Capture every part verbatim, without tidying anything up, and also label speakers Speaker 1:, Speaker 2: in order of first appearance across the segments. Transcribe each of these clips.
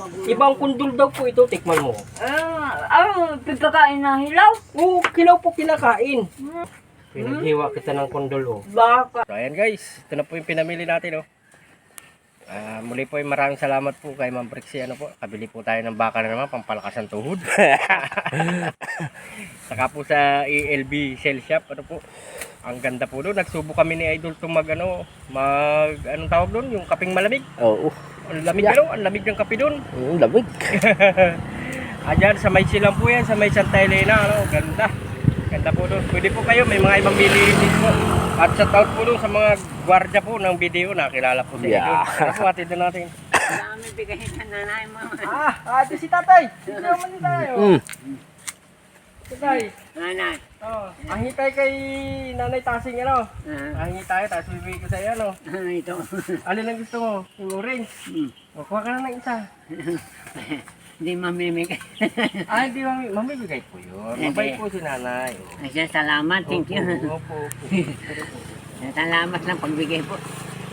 Speaker 1: magulang.
Speaker 2: Ibang kundol daw po ito, tikman mo.
Speaker 1: Ah, ah, pagkakain na hilaw.
Speaker 2: Oo, kilaw po kinakain.
Speaker 1: Hmm.
Speaker 2: Pinaghiwa kita ng kundol, oh.
Speaker 1: Baka.
Speaker 2: So, ayan guys, ito na po yung pinamili natin, oh. Ah, muli po, yung maraming salamat po kay Ma'am Brixie. Ano po, kabili po tayo ng baka na naman, pampalakas ng tuhod. Saka po sa E L B Cell Shop, ano po, ang ganda po doon. Nagsubo kami ni Idol itong mag, ano, mag, anong tawag doon, yung kaping malamig.
Speaker 3: Oo.
Speaker 2: Ang lamig, ano, ang lamig ng kape doon.
Speaker 3: Ang lamig.
Speaker 2: Ayan, sa may silang po yan, sa may Santa Elena, ano, ganda. Ganda po doon. Pwede po kayo, may mga ibang bilihin din po. At shout out po doon sa mga gwardiya po ng video, nakilala po si
Speaker 3: Yeah.
Speaker 2: Idol. Ano po, atid na natin.
Speaker 1: Dami bigayin ng nanay mo.
Speaker 2: Ah, ate si tatay. Sige naman tayo.
Speaker 3: Mm.
Speaker 2: Tatay.
Speaker 1: Nanay.
Speaker 2: Oh, ang hitay kay Nanay Tasing, ano?
Speaker 1: Ah,
Speaker 2: Ang hitay, tapos bibigay ko sa iyo, ano?
Speaker 1: ano ito?
Speaker 2: Alin ang gusto mo? Yung orange.
Speaker 1: Hmm.
Speaker 2: O, kuha ka na ng isa.
Speaker 1: Hindi mamimigay.
Speaker 2: Ah, hindi mami, mamibigay po yun. Mabait po si nanay. Oh.
Speaker 1: Asya, salamat. Thank you.
Speaker 2: Opo, opo, opo.
Speaker 1: Salamat lang pagbigay po.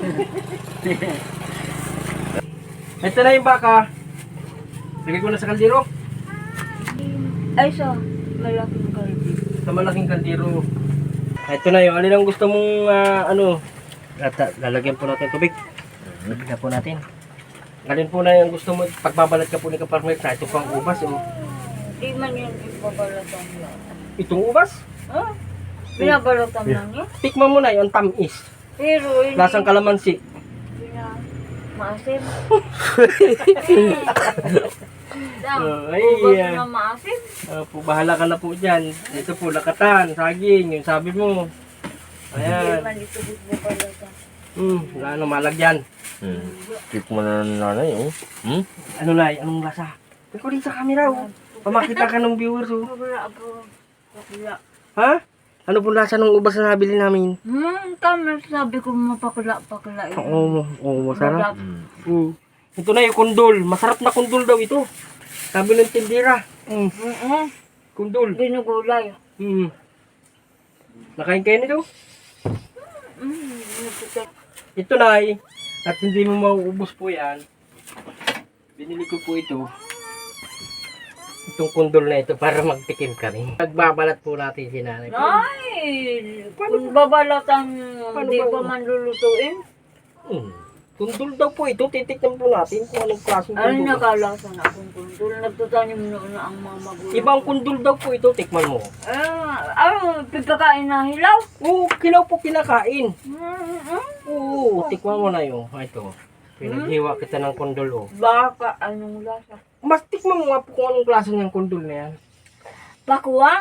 Speaker 2: Ito na yung baka. Lagay ko na sa kaldero.
Speaker 1: Ay, so, malaking kalbi.
Speaker 2: Sa malaking kaldero. Ito na yung alin ang gusto mong ah, ano. Lata, lalagyan po natin tubig. Lagyan po natin. Alin po na yung gusto mo. Pagbabalat ka po ni Kaparmer. Sa ito pang ubas. Oh.
Speaker 1: Di man yan ibabalatan lang.
Speaker 2: Itong ubas.
Speaker 1: Ah, binabalatan lang yan.
Speaker 2: Tikman mo na yung tamis.
Speaker 1: Pero, hindi.
Speaker 2: Lasang kalamansi.
Speaker 1: Bina, maasim. Dam,
Speaker 2: Oh, ay,
Speaker 1: ubas
Speaker 2: yeah.
Speaker 1: na maasim.
Speaker 2: Uh, po, bahala ka na po dyan. Ito po, lakatan, saging, yung sabi mo.
Speaker 1: Hindi
Speaker 2: Ayan.
Speaker 1: man ito ibabalatan.
Speaker 2: Hmm, wala na malagyan.
Speaker 3: Mm. Tip mo na ng nanay, oh. Hmm?
Speaker 2: Ano na, anong lasa? Ikaw din sa camera, oh. Pamakita ka ng viewers, oh.
Speaker 1: Pagla po. Pagla.
Speaker 2: Ha? Ano po lasa ng ubas na nabili namin?
Speaker 1: Hmm, tama. Sabi ko mapakla-pakla.
Speaker 2: Oo, oo, masarap.
Speaker 3: Mm.
Speaker 2: Hmm. Ito na yung kundol. Masarap na kundol daw ito. Sabi ng tindira. Hmm.
Speaker 1: Oo.
Speaker 2: Kundol.
Speaker 1: Ginugulay.
Speaker 2: Hmm. Nakain kayo nito?
Speaker 1: Hmm, napitak.
Speaker 2: Ito na ay, at hindi mo mauubos po yan. Binili ko po ito. Itong kundol na ito para magtikim kami. Nagbabalat po natin si nanay.
Speaker 1: Ay, kung babalatan,
Speaker 2: Paano
Speaker 1: hindi
Speaker 2: ba-
Speaker 1: pa man lulutuin.
Speaker 2: Hmm. Kundol daw po ito. Titikman po natin kung anong klaseng
Speaker 1: Ano
Speaker 2: kundol.
Speaker 1: nakalasan akong kundul? Nagtatanim noon na ang mga magulang.
Speaker 2: Ibang kundol daw po ito. Tikman mo.
Speaker 1: Ah, ah, pagkakain na hilaw.
Speaker 2: Oo, kilaw po kinakain.
Speaker 1: Hmm, hmm.
Speaker 2: Oo, tikman mo na yun. Ah, ito. Pinaghiwa kita ng kundol, oh.
Speaker 1: Baka anong lasa?
Speaker 2: Mas tikman mo nga po kung anong klase ng kundol na yan.
Speaker 1: Pakuwang?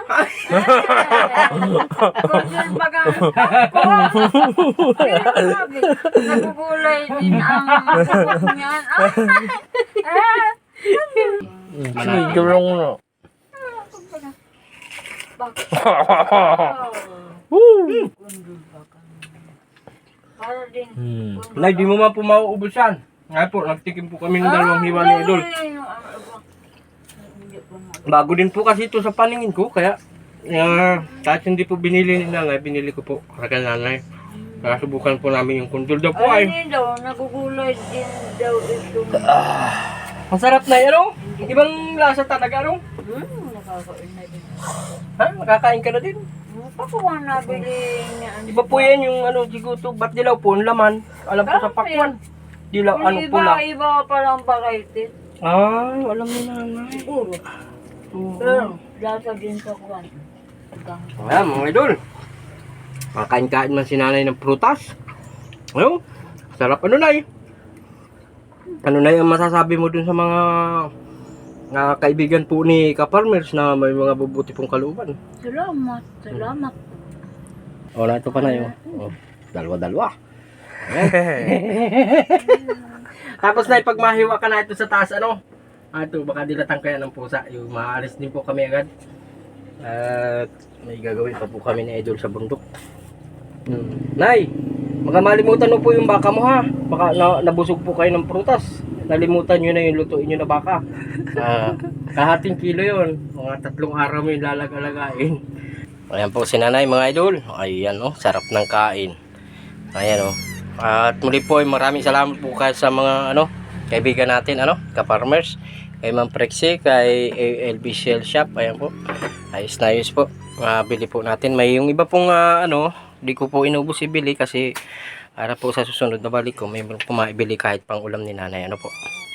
Speaker 1: Kundul baga. Pakuwang. Pero sabi, nagugulay din ang pakuwang niyan. Ah,
Speaker 3: Sige lang na.
Speaker 1: Kundul baga. Para din.
Speaker 3: Hmm.
Speaker 2: Nay, di mo man po mauubos yan. Nga po, nagtikim po kami ng dalawang hiwa ni Idol. Bago din po kasi ito sa paningin ko, kaya uh, kahit hindi po binili ni nanay, binili ko po kagad nanay. Kaya subukan po namin yung kundol daw po
Speaker 1: Ay,
Speaker 2: ay.
Speaker 1: hindi daw, nagugulay din daw ito.
Speaker 2: Ang sarap na yun, ano? Ibang lasa talaga, ano?
Speaker 1: Hmm, nakakain na din.
Speaker 2: Ha? Nakakain ka na din.
Speaker 1: Pakuwang nabili niya.
Speaker 2: Iba po yan yung ano, siguto, ba't dilaw po, ang laman. Alam ko sa pakwan. Dilaw, ano
Speaker 1: Iba,
Speaker 2: pula.
Speaker 1: iba pa lang variety.
Speaker 2: Ah, alam mo nanay.
Speaker 1: Siguro.
Speaker 2: Oo.
Speaker 1: Pero, lasa din sa kuwan.
Speaker 2: Ayan, mga idol. Makain-kain man si nanay ng prutas. Ayun, sarap ano na eh. Ano na yung masasabi mo dun sa mga nga kaibigan po ni Kaparmers na may mga bubuti pong kalooban?
Speaker 1: Salamat, salamat.
Speaker 2: O, na ito pa na yun. O, dalawa-dalawa. Tapos na pag mahiwa ka na ito sa taas, ano? Ah, ito, baka dilatang kaya ng pusa. Yung maalis din po kami agad. At may gagawin pa po kami ni Idol sa bundok. Hmm. Nay, baka malimutan mo po yung baka mo ha. Baka na, nabusog po kayo ng prutas. Nalimutan nyo na yung lutuin nyo na baka. Ah, kahating kilo yun. Mga tatlong araw mo yung lalag-alagain. Ayan po si nanay mga idol. Ayan oh, sarap ng kain. Ayan oh. At muli po ay maraming salamat po kayo sa mga ano kaibigan natin, ano, ka-farmers. Kay Ma'am Prexy, kay A L B Shell Shop. Ayan po. Ayos na ayos po. Mabili po natin. May yung iba pong ah, ano, di ko po inubos ibili kasi para po sa susunod na balik ko, may po maibili kahit pang ulam ni nanay. Ano po.